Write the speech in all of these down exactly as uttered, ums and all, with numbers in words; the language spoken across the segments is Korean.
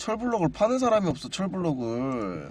철블럭을 파는 사람이 없어. 철블럭을.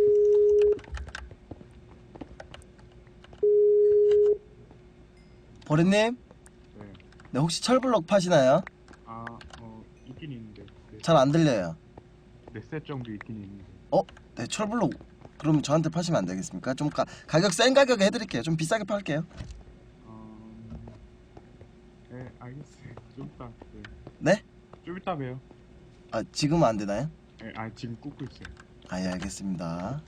버릇님? 네. 네, 혹시 철블럭 파시나요? 아, 어, 있긴 있는데. 네. 잘 안 들려요. 네 셋 정도 있긴 있는데. 어? 네, 철블럭 그럼 저한테 파시면 안 되겠습니까? 좀 가, 가격 센 가격에 해드릴게요. 좀 비싸게 팔게요. 어, 네, 알겠어요. 좀 이따. 네. 네? 좀 이따 봬요. 아, 지금은 안 되나요? 네, 아, 지금 꽂고 있어요. 아, 예, 알겠습니다.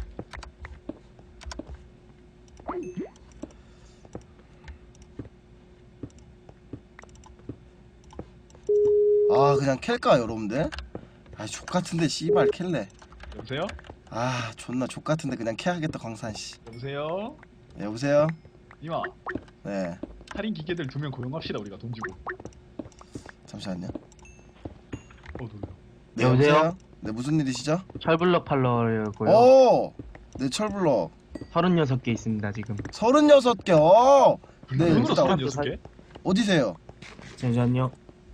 아, 그냥 캘까 여러분들? 아, 족같은데 씨발 캘래. 여보세요? 아, 존나 족같은데 그냥 캐야겠다 광산씨. 여보세요? 네, 여보세요? 이마 네, 살인 기계들 두 명 고용합시다. 우리가 돈 주고. 잠시만요. 어 놀라. 네, 여보세요? 네, 무슨 일이시죠? 철블럭 팔러고요. 오! 네, 철블럭 서른여섯 개 있습니다 지금. 서른여섯 개. 어! 네, 돈으로 일단 서른여섯 개? 어디세요? 잠시만요.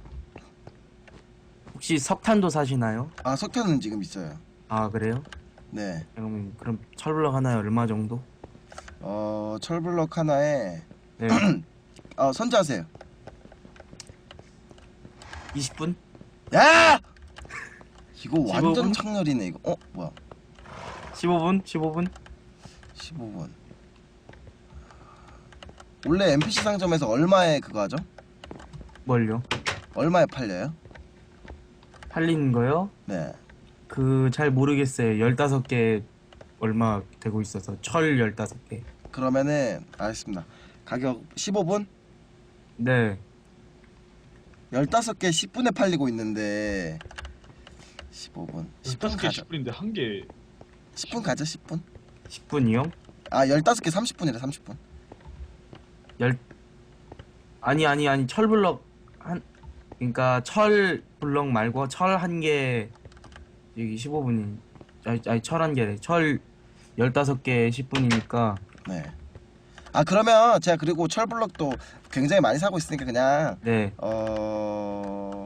혹시 석탄도 사시나요? 아, 석탄은 지금 있어요. 아 그래요? 네. 그럼 그럼 철블럭 하나에 얼마 정도? 어, 철블럭 하나에 네. 어, 선자하세요. 이십 분? 야! 이거 완전 십오 분? 창렬이네 이거. 어, 뭐야? 십오 분? 십오 분? 십오 분. 원래 엠피씨 상점에서 얼마에 그거 하죠? 뭘요? 얼마에 팔려요? 팔리는 거요? 네. 그 잘 모르겠어요. 열다섯 개 얼마 되고 있어서 철 열다섯 개. 그러면은 알겠습니다. 가격 십오 분? 네. 열다섯 개 십 분에 팔리고 있는데 십오 분. 십 분 열다섯 개 가죠. 십 분인데 한 개. 십 분 가죠, 십 분. 십 분이요? 아, 열다섯 개 삼십 분이래, 삼십 분. 열 아니 아니 아니 철블럭 한 그러니까 철 블럭 말고 철 한 개 여기 십오 분이 아니, 아니 철 한 개래. 철 열다섯 개 십 분이니까 네. 아, 그러면 제가 그리고 철블럭도 굉장히 많이 사고 있으니까 그냥 네. 어...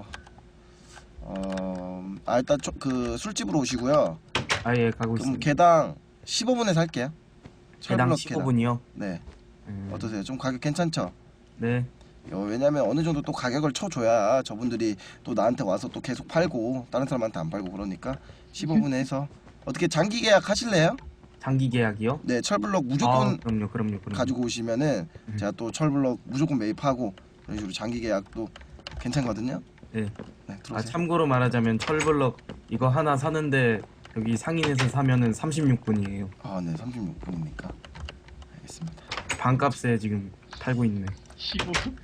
어... 아, 일단 저, 그 술집으로 오시고요. 아예 가고 그럼 있습니다. 개당 십오 분에 살게요. 개당 철블럭 십오 분이요? 네. 음, 어떠세요? 좀 가격 괜찮죠? 네. 어, 왜냐면 어느 정도 또 가격을 쳐줘야 저분들이 또 나한테 와서 또 계속 팔고 다른 사람한테 안 팔고 그러니까 십오 분에 해서 어떻게 장기 계약 하실래요? 장기 계약이요? 네, 철블럭 아, 무조건 그럼요, 그럼요, 그럼요. 가지고 오시면은 음. 제가 또 철블럭 무조건 매입하고 이런 식으로 장기 계약도 괜찮거든요. 네. 네, 아 들어오세요. 참고로 말하자면 철블럭 이거 하나 사는데 여기 상인에서 사면은 삼십육 분이에요. 아, 네, 삼십육 분이니까 알겠습니다. 반값에 지금 팔고 있네. 십오 분?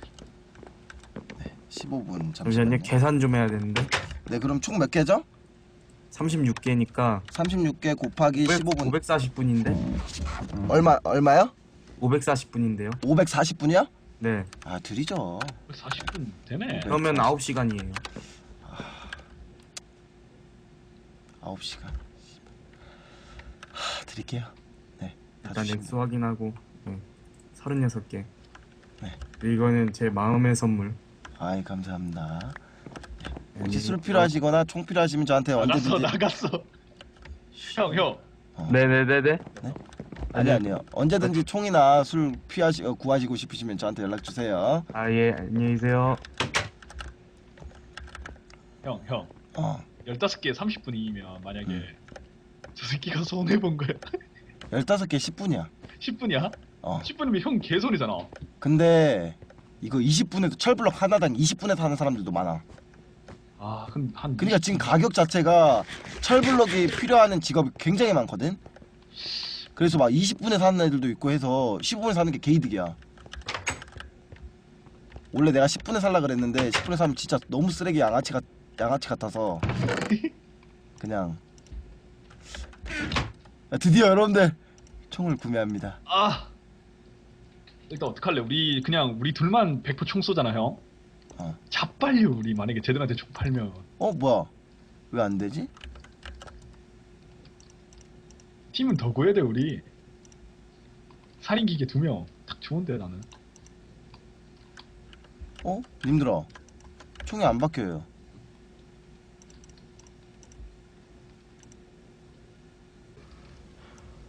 십오 분 잠시만요. 잠시만요. 계산 좀 해야 되는데. 네, 그럼 총 몇 개죠? 삼십육 개니까 삼십육 개 곱하기 십오 분 오백사십 분인데? 얼마 얼마요? 오백사십 분인데요. 오백사십 분이요? 네. 아, 드리죠. 사십 분 되네. 그러면 아홉 시간이에요. 아홉 시간. 하, 드릴게요. 네. 다 일단 주시면 액수 확인하고 네. 서른여섯 개. 네. 이거는 제 마음의 선물. 아이, 감사합니다. 네, 혹시 술 이거- 필요하시거나 총 필요하시면 저한테 나갔어 언제든지. 나갔어. 형 형. 어. 네네네네. 아니 아니요. 언제든지 총이나 술 피하시 어, 구하시고 싶으시면 저한테 연락 주세요. 아 예 안녕히 계세요. 형 형. 어. 열다섯 개 삼십 분이면 만약에 음. 저 새끼가 손해 본 거야. 열다섯 개 십 분이야. 십 분이야? 어. 십 분이면 형 개손이잖아. 근데 이거 이십 분에도 철블럭 하나당 이십 분에 사는 사람들도 많아. 아, 그럼 한 그러니까 지금 가격 자체가 철블럭이 필요하는 직업이 굉장히 많거든. 그래서 막 이십 분에 사는 애들도 있고 해서 십오 분에 사는 게 개이득이야. 원래 내가 십 분에 살라 그랬는데 십 분에 사면 진짜 너무 쓰레기 양아치 같 양아치 같아서 그냥 야, 드디어 여러분들 총을 구매합니다. 아. 일단 어떡할래? 우리 그냥 우리 둘만 백 퍼센트 총 쏘잖아, 형. 어. 자빨려 우리 만약에 쟤들한테 총 팔면. 어, 뭐야? 왜 안 되지? 팀은 더 구해야 돼 우리. 살인 기계 두 명. 딱 좋은데 나는. 어? 님들아, 총이 안 바뀌어요.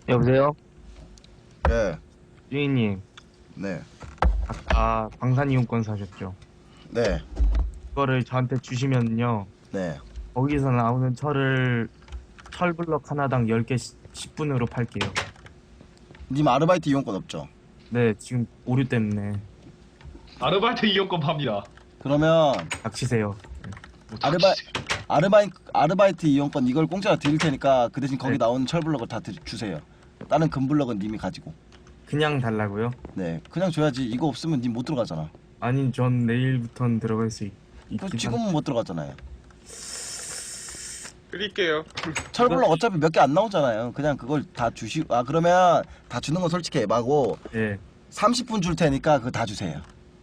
여보세요? 예. 주인님, 네. 아까 방산 이용권 사셨죠? 네. 그거를 저한테 주시면요. 네. 거기서 나오는 철을 철블럭 하나당 열 개 십 분으로 팔게요. 님 아르바이트 이용권 없죠? 네, 지금 오류 때문에 아르바이트 이용권 팝니다. 그러면 닥치세요. 뭐 아르바 닥치세요. 아르바이 아르바이트 이용권 이걸 공짜로 드릴 테니까 그 대신 거기 네. 나오는 철블럭을 다 드, 주세요. 다른 금블럭은 님이 가지고. 그냥 달라고요? 네. 그냥 줘야지. 이거 없으면 님 못 들어가잖아. 아니, 전 내일부터는 들어갈 수 있, 그 있긴 지금은 못 들어가잖아요. 드릴게요. 철블럭 어차피 몇 개 안 나오잖아요. 그냥 그걸 다 주시. 아 그러면 다 주는 건 솔직히 에바고 한... 예. 삼십 분 줄 테니까 그거 다 주세요.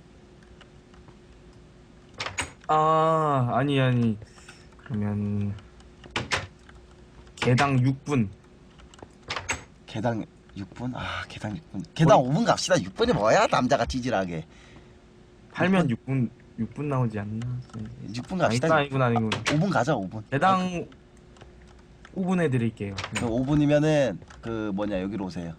아, 아니 아니. 그러면 개당 육 분. 개당 육 분? 아 개당 육 분. 개당 오 분 갑시다. 육 분이 뭐야? 남자가 찌질하게. 팔면 육 분 육 분 나오지 않나? 육 분 갑시다. 아니군 아니군 아니군. 오 분 가자. 오 분. 개당 오 분 해드릴게요. 그 오 분이면은 그 뭐냐 여기로 오세요.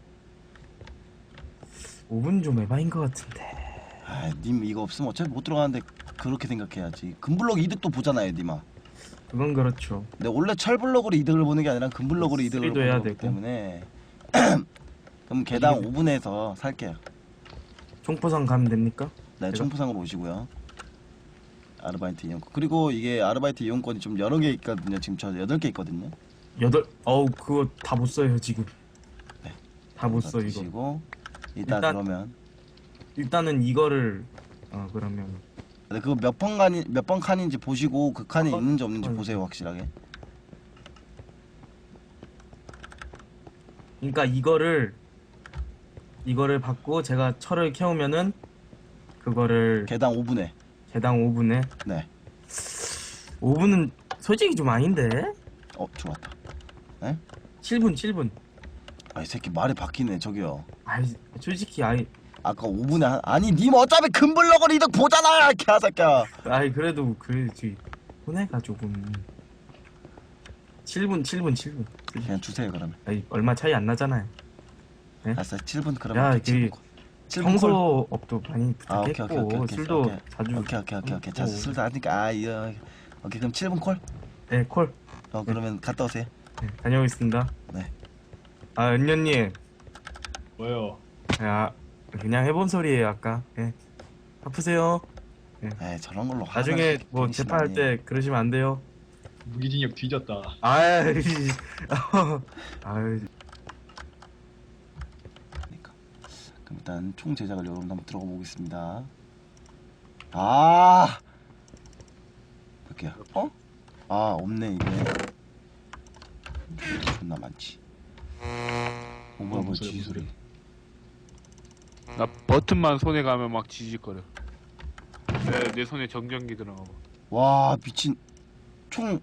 오 분 좀 에바인 것 같은데. 아, 님 이거 없으면 어차피 못 들어가는데 그렇게 생각해야지. 금블럭 이득도 보잖아요, 님아. 그건 그렇죠. 근데 원래 철블럭으로 이득을 보는 게 아니라 금블럭으로 이득을 수리도 보는 해야 거기 되고. 때문에 그럼 개당 오 분에서 살게요. 총포상 가면 됩니까? 네, 제가? 총포상으로 오시고요. 아르바이트 이용권. 그리고 이게 아르바이트 이용권이 좀 여러 개 있거든요. 지금 저 여덟 개 있거든요. 여덟. 어우 그거 다 못 써요 지금. 네. 다 못 써 이거. 드시고 이따 일단- 그러면 일단은 이거를 어 그러면 네, 그거 몇 번 칸이 몇 번 칸인지 보시고 그 칸이 어, 있는지 없는지 어. 보세요 확실하게. 그러니까 이거를 이거를 받고 제가 철을 캐오면은 그거를 개당 오 분에. 개당 오 분에 네. 오 분은 솔직히 좀 아닌데? 어 좋았다. 칠 분 칠 분. 아 이 새끼 말이 바뀌네 저기요. 아이 솔직히 아이 아까 오 분에 한... 아니 님 어차피 금블럭을 이득 보잖아 개새끼야. 아이 그래도 그래지 손해가 조금. 칠 분 칠 분 칠 분. 그냥 주세요 그러면. 아이 얼마 차이 안 나잖아요. 알았어 칠 분 야, 그러면. 칠 분 그 콜. 칠 분 콜. 청소업도 많이 아 오케이 부탁했고 오케이 오케이 오케이. 술도 오케이. 자주 오케이 오케이 오케이 오케이. 자 먹고. 술도 하니까 아 이거 오케이 그럼 칠 분 콜. 네, 콜. 어 그러면 갔다 오세요. 네, 다녀오겠습니다. 네. 아, 은녀님. 뭐요? 야, 그냥 해본 소리예요, 아까. 예. 아프세요? 에 저런 걸로 나중에 화나시- 뭐 괜히 재판할 심하니. 때 그러시면 안 돼요. 무기징역 뒤졌다. 아이, 아이, 그러니까. 그럼 일단 총 제작을 여러분 한번 들어가 보겠습니다. 아. 몇 개야? 어? 아 없네 이게. 존나 많지. 어 뭐야 뭐 무슨 소리야, 지 소리. 나 버튼만 손에 가면 막 지직거려. 내, 내 손에 정전기 들어가고. 와 미친. 총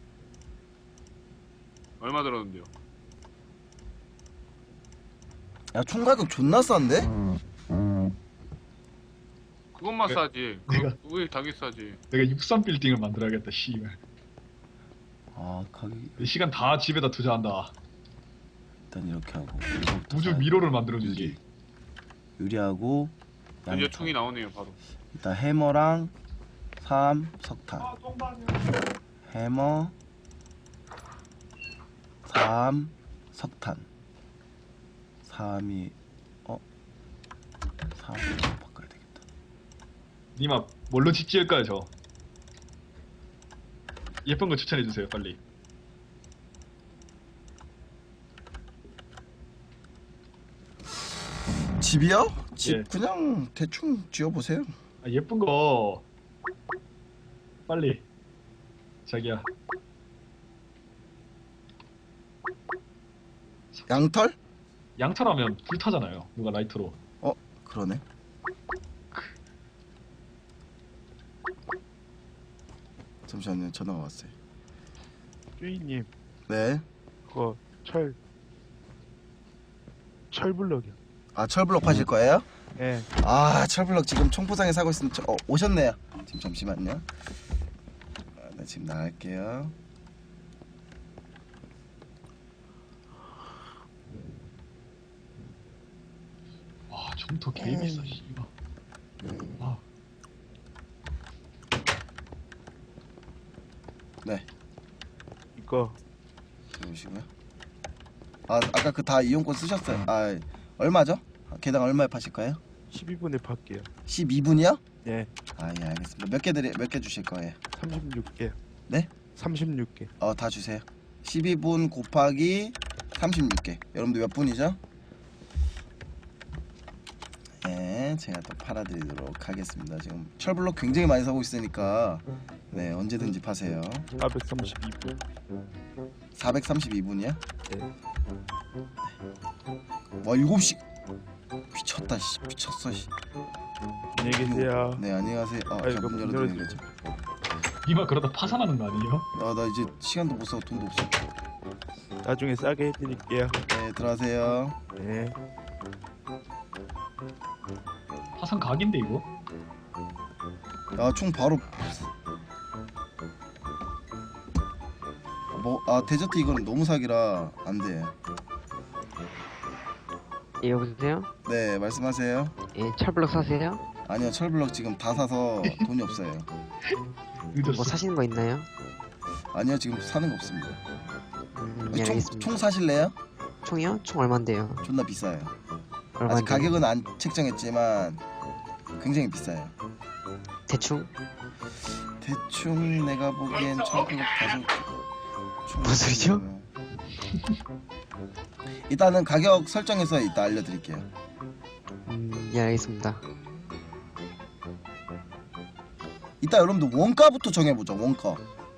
얼마 들었는데요? 야 총 가격 존나 싼데? 그것만 내- 싸지. 내가- 그, 왜 당연히 싸지. 내가 육삼 빌딩을 만들어야겠다. 씨발. 아 가격이 시간 다 집에다 투자한다. 일단 이렇게 하고 이거부터 우주 사야 돼. 미로를 만들어주지. 유리. 유리하고 이제 양털. 총이 나오네요 바로. 일단 해머랑 삼 석탄. 해머 삼 석탄. 삼이 어? 삼으로 바꿔야 되겠다. 니마 뭘로 집 지을까요 저? 예쁜 거 추천해 주세요 빨리. 집이요? 집 예. 그냥 대충 지어보세요. 아, 예쁜 거 빨리. 자기야. 양털? 양털하면 불타잖아요. 누가 라이터로. 그러네. 잠시만요. 전화가 왔어요. 주인님 네. 그거 철 철블럭이요. 아 철블럭 파실 거예요? 예. 아 철블럭 지금 총포상에 사고 있으면 저, 어, 오셨네요. 지금 잠시만요. 아, 나 지금 나갈게요. 점토 개 비싸 씨발. 와. 네, 이거 들어오시고요. 아 아까 그 다 이용권 쓰셨어요? 아 얼마죠? 아, 개당 얼마에 파실 거예요? 십이 분에 팔게요. 십이 분이요? 네, 아 예 알겠습니다. 몇 개 드리 몇 개 주실 거예요? 삼십육 개. 네? 삼십육 개. 어 다 주세요. 십이 분 곱하기 삼십육 개. 여러분들 몇 분이죠? 네, 제가 또 팔아드리도록 하겠습니다. 지금 철블럭 굉장히 많이 사고 있으니까 네 언제든지 파세요. 사백삼십이 분. 사백삼십이 분이야? 네. 와 일곱 시 미쳤다 씨 미쳤어 씨. 안녕히 계세요. 네 안녕하세요. 어, 아이고, 잠깐 문 열어드리는 열어주세요. 거죠. 니마 그러다 파산하는 거 아니에요? 아나 이제 시간도 못 써 돈도 없어. 나중에 싸게 해드릴게요. 네 들어가세요. 네. 파산 각인데 이거? 야총 바로 뭐 아 데저트 이거는 너무 사기라 안 돼. 예, 여보세요? 네 말씀하세요. 예, 철블럭 사세요? 아니요 철블럭 지금 다 사서 돈이 없어요. 늦었어. 뭐 사시는 거 있나요? 아니요 지금 사는 거 없습니다. 음, 예, 총, 알겠습니다. 총 사실래요? 총이요? 총 얼만데요? 존나 비싸요. 아직 얼만데? 가격은 안 책정했지만 굉장히 비싸요. 대충? 대충 내가 보기엔 철블럭 다섯 총 무슨 소리죠? 일단은 가격 설정해서 이따 알려드릴게요. 음, 예, 알겠습니다. 이따 여러분들 원가부터 정해보자. 원가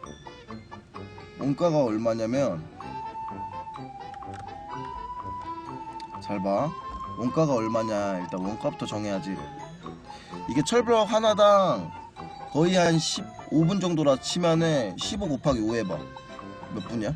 원가가 얼마냐면 잘봐 원가가 얼마냐. 일단 원가부터 정해야지. 이게 철블럭 하나당 거의 한 십오 분 정도라 치면은 십오 곱하기 오 해봐. 몇 분이야?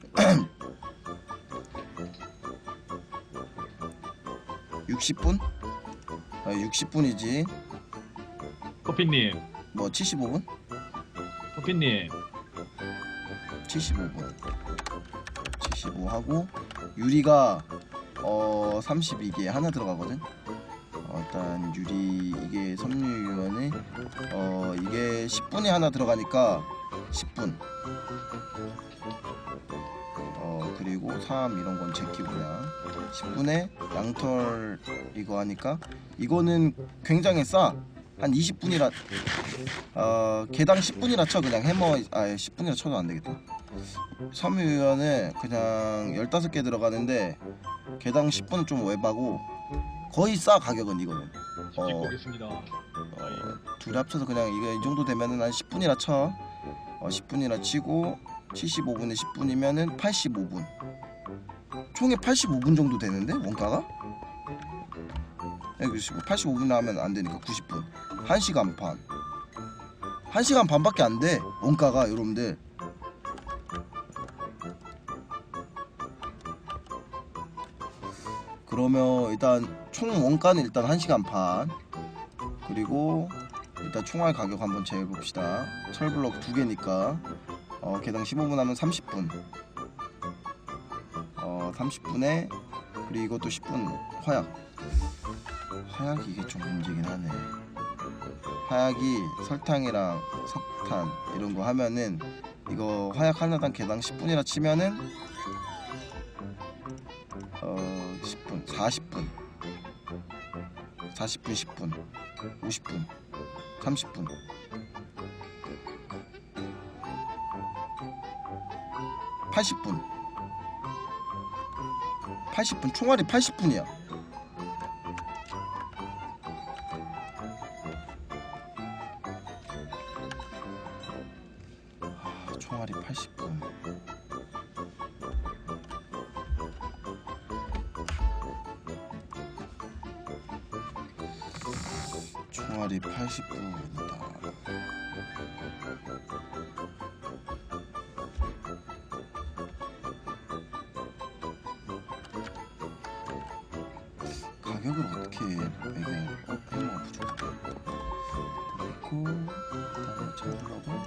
육십 분? 아 육십 분이지. 커피님, 뭐 칠십오 분? 커피님. 칠십오 분 칠십오 하고 유리가 어 삼십이 개 하나 들어가거든. 어, 일단 유리 이게 섬유유연이 어 이게 십 분이 하나 들어가니까 십 분. 어 그리고 삼 이런 건 제끼고 그냥 십 분에 양털 이거 하니까 이거는 굉장히 싸. 한 이십 분이라 어 개당 십 분이라 쳐. 그냥 해머 아 십 분이라 쳐도 안 되겠다. 섬유유연은 그냥 열다섯 개 들어가는데 개당 십 분은 좀 외바고 거의 싸. 가격은 이거는 집 어. 찍고 오겠습니다. 어, 둘이 합쳐서 그냥 이거 이 정도 되면은 한 십 분이라 쳐. 어, 십 분이라 치고 칠십오 분에 십 분이면은 팔십오 분. 총에 팔십오 분 정도 되는데 원가가? 여기 팔십오 분 나오면 안 되니까 구십 분. 한 시간 반. 한 시간 반밖에 안 돼. 원가가 여러분들. 그러면 일단 총 원가는 일단 한 시간 반. 그리고 일단 총알 가격 한번 재봅시다. 철블럭 두 개니까 어, 개당 십오 분 하면 삼십 분. 어, 삼십 분에 그리고 이것도 십 분 화약. 화약이 이게 좀 문제긴 하네. 화약이 설탕이랑 석탄 이런 거 하면은 이거 화약 하나당 개당 십 분이라 치면은 어 십 분 사십 분 사십 분 십 분 오십 분 삼십 분 팔십 분 팔십 분 총알이 팔십 분이야. 아, 총알이 팔십 분. 총알이 팔십 분이다. 가격을 어떻게 매겨? 어, 해머가 부족하다. 그리고 그다음에 철블럭을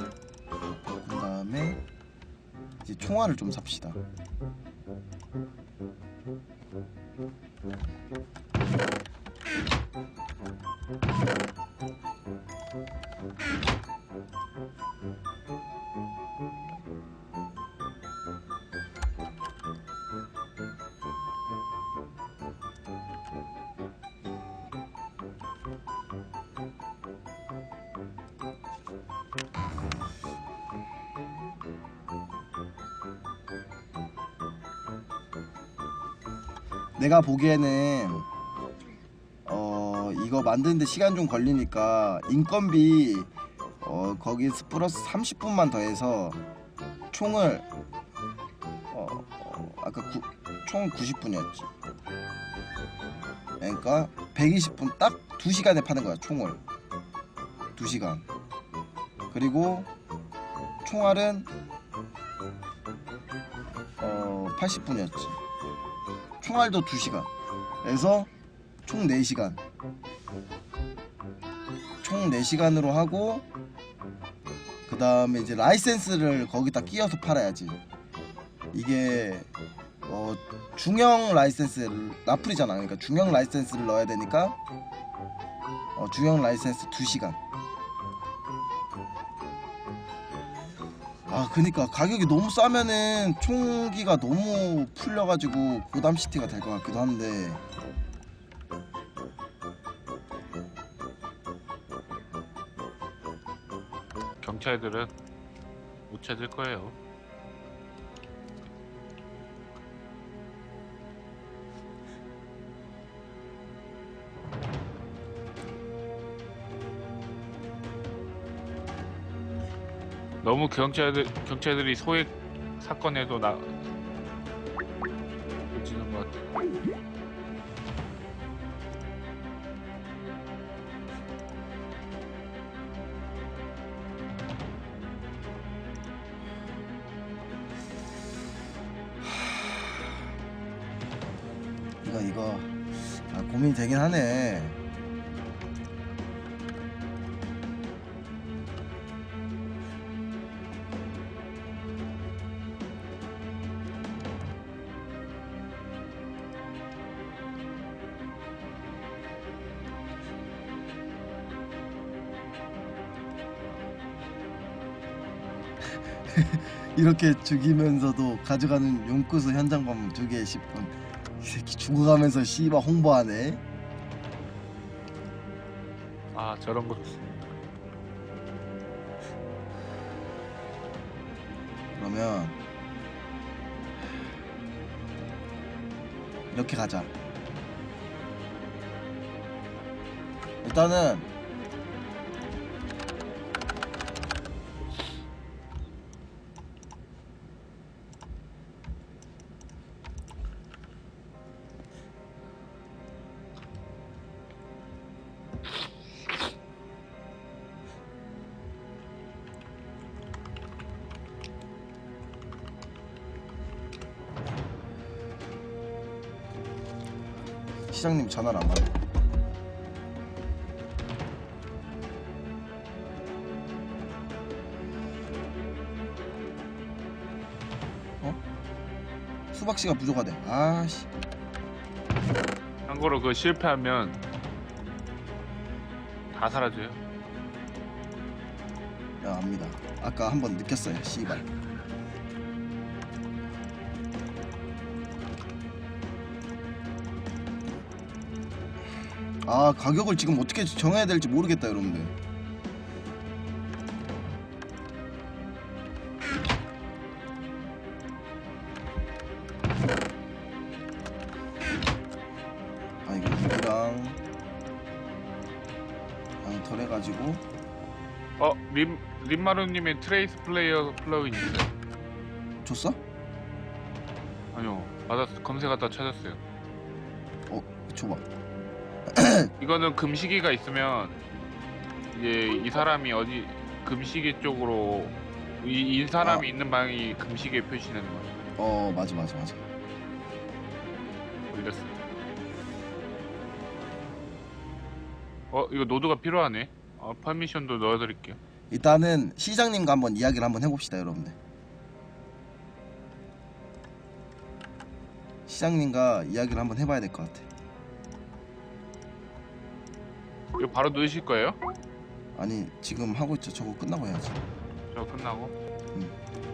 그 다음에 이제 총알을 좀 삽시다. 내가 보기에는 어 이거 만드는데 시간 좀 걸리니까 인건비 어 거기 플러스 삼십 분만 더해서 총을 어, 어 아까 구, 총 구십 분이었지. 그러니까 백이십 분 딱 두 시간에 파는 거야 총을. 두 시간. 그리고 총알은 어 팔십 분이었지. 총알도 두 시간. 그래서 총 네 시간. 총 네 시간으로 하고 그 다음에 이제 라이센스를 거기다 끼워서 팔아야지. 이게 어 중형 라이센스 라플이잖아. 그러니까 중형 라이센스를 넣어야 되니까 어 중형 라이센스 두 시간. 아 그니까 가격이 너무 싸면은 총기가 너무 풀려가지고 고담시티가 될 것 같기도 한데 경찰들은 못 찾을 거예요. 너무 경찰들 경찰들이 소액 사건에도 나 지는 것 같아. 이거 이거 아, 고민이 되긴 하네. 이렇게 죽이면서도 가져가는 용구수 현장범 두 개에 십 분. 이 새끼 죽어가면서 씨발 홍보하네. 아 저런 거 좋습니다. 그러면 이렇게 가자. 일단은 시장님 전화를 안 받네. 어? 수박씨가 부족하대. 아씨. 참고로 그 실패하면 다 사라져요. 야 압니다. 아까 한번 느꼈어요. 씨발. 아 가격을 지금 어떻게 정해야 될지 모르겠다 여러분들. 아 이거 무기랑 양털 해가지고 어 림 림마루님의 트레이스 플레이어 플러그인 있어요? 줬어? 아니요 받았 검색하다 찾았어요. 어 줘봐. 이거는 금시기가 있으면 이제 이 사람이 어디 금시기 쪽으로 이, 이 사람이 아. 있는 방이 금시기에 표시되는 거야. 어 맞아 맞아 맞아. 올렸어. 어 이거 노드가 필요하네. 어, 퍼미션도 넣어드릴게요. 일단은 시장님과 한번 이야기를 한번 해봅시다 여러분들. 시장님과 이야기를 한번 해봐야 될 것 같아. 이거 바로 넣으실 거예요? 아니 지금 하고 있죠. 저거 끝나고 해야지. 저 끝나고. 응.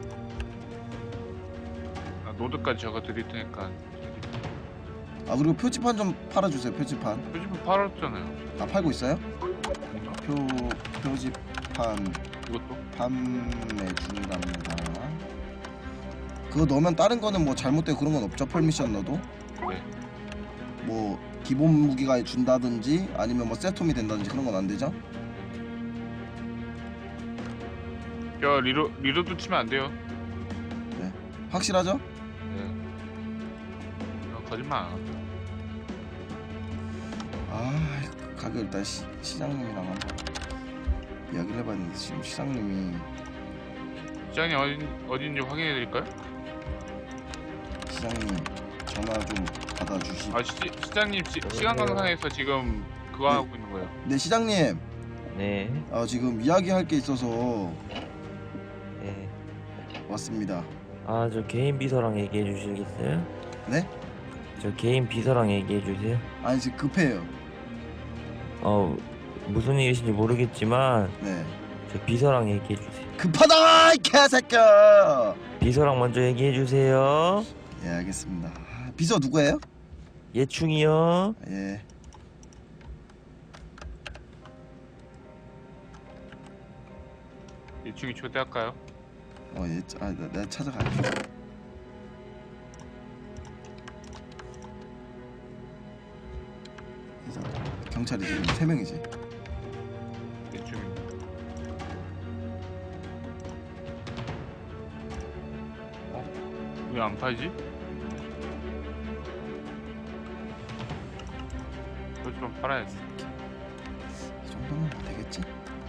나 노드까지 적어 드릴 테니까. 아 그리고 표지판 좀 팔아주세요. 표지판. 표지판 팔았잖아요. 아 팔고 있어요? 뭔가? 표 표지판 이것도? 판매 중이랍니다. 그거 넣으면 다른 거는 뭐 잘못되고 그런 건 없죠? 펄미션 넣어도? 네. 뭐 기본 무기가 준다든지 아니면 뭐 세톰이 된다든지 그런 건 안 되죠? 저 리로 리로드 치면 안 돼요. 확실하죠? 네. 저 거짓말 안 합니다. 아 가격 일단 시, 시장님이랑 한번 이야기를 해봤는데 지금 시장님이 시장님 어딘 어딘지 확인해 드릴까요? 시장님 전화 좀 받아주시. 아 시, 시장님 시, 시간 강산에서 지금 그거 네. 하고 있는 거예요. 네 시장님. 네, 아 지금 이야기할 게 있어서 네. 왔습니다. 아, 저 개인 비서랑 얘기해 주시겠어요? 네? 저 개인 비서랑 얘기해 주세요. 아니 지금 급해요. 어, 무슨 일이신지 모르겠지만 네. 저 비서랑 얘기해 주세요. 급하다 이 개새끼야. 비서랑 먼저 얘기해 주세요. 예 알겠습니다. 아, 비서 누구예요? 예충이요. 예. 이충이 초대할까요? 어 예. 아 나, 내가 찾아갈게. 그래서 경찰이 지금 세 명이지. 이충이. 어? 왜 안 팔지? 그좀 팔아야지. 이 정도면 되겠지?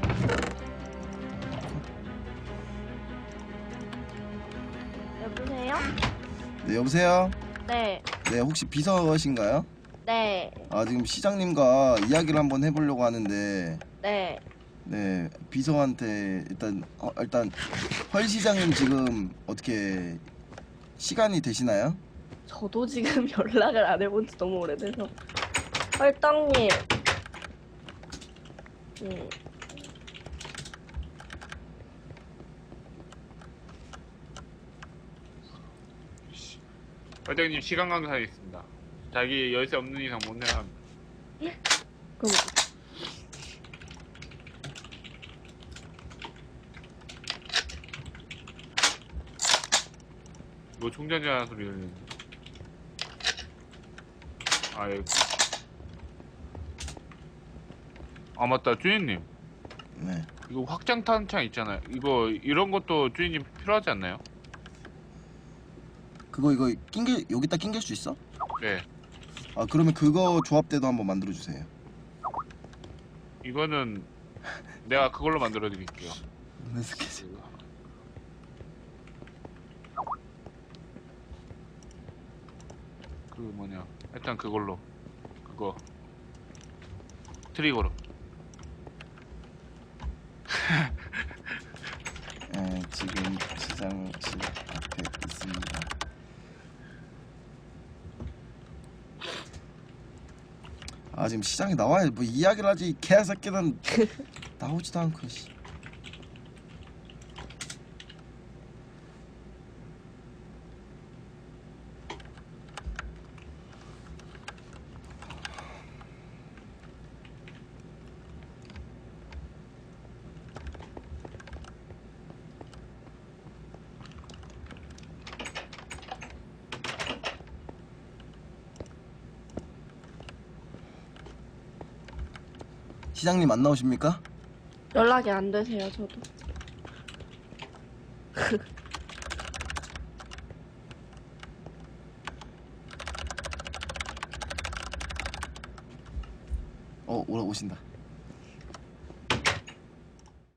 여보세요? 네 여보세요. 네, 네 혹시 비서신가요? 네, 아 지금 시장님과 이야기를 한번 해보려고 하는데 네. 네 비서한테 일단 어, 일단 헐 시장님 지금 어떻게 시간이 되시나요? 저도 지금 연락을 안 해본 지 너무 오래돼서. 헐떡님. 음, 회장님 시간 강사에 있습니다. 자기 열쇠 없는 이상 못 내라. 그럼 뭐 충전자는 소리 들리는데. 아 여기. 아 맞다 주인님. 네. 이거 확장 탄창 있잖아요. 이거 이런 것도 주인님 필요하지 않나요? 그거 이거 낑길 여기다 낑길 수 있어? 네. 아 그러면 그거 조합대도 한번 만들어 주세요. 이거는 내가 그걸로 만들어 드릴게요. 네, 스케줄. 그 뭐냐 일단 그걸로 그거 트리거로. 네, 지금 시장실 앞에 있습니다. 아 지금 시장에 나와야 뭐 이야기를 하지 이 개새끼는 나오지도 않고 씨. 시장님 안 나오십니까? 연락이 안 되세요, 저도. 어 오라 오신다.